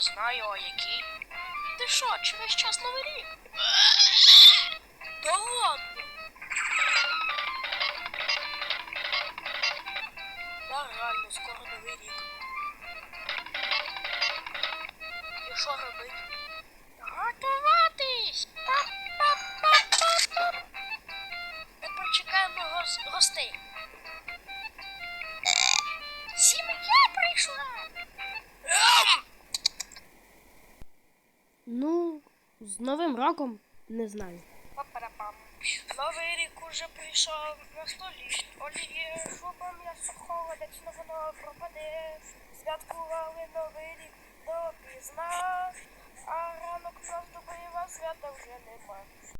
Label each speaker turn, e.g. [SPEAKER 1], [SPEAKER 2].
[SPEAKER 1] знаю, а який? Ти що, через час Новий рік? Да ладно! Да, реально, скоро Новий рік. І що робити? Готуватись! Па-па-па-па-па! Ми почекаємо гостей. Сім'я прийшла!
[SPEAKER 2] Ну, з Новим роком не знаю.
[SPEAKER 1] Па-па-па-пам. Новий рік уже прийшов на столі. Оліє, шуба м'ясо холодець, но воно пропаде. Святкували Новий рік допізна, а ранок нас добрива свята вже нема.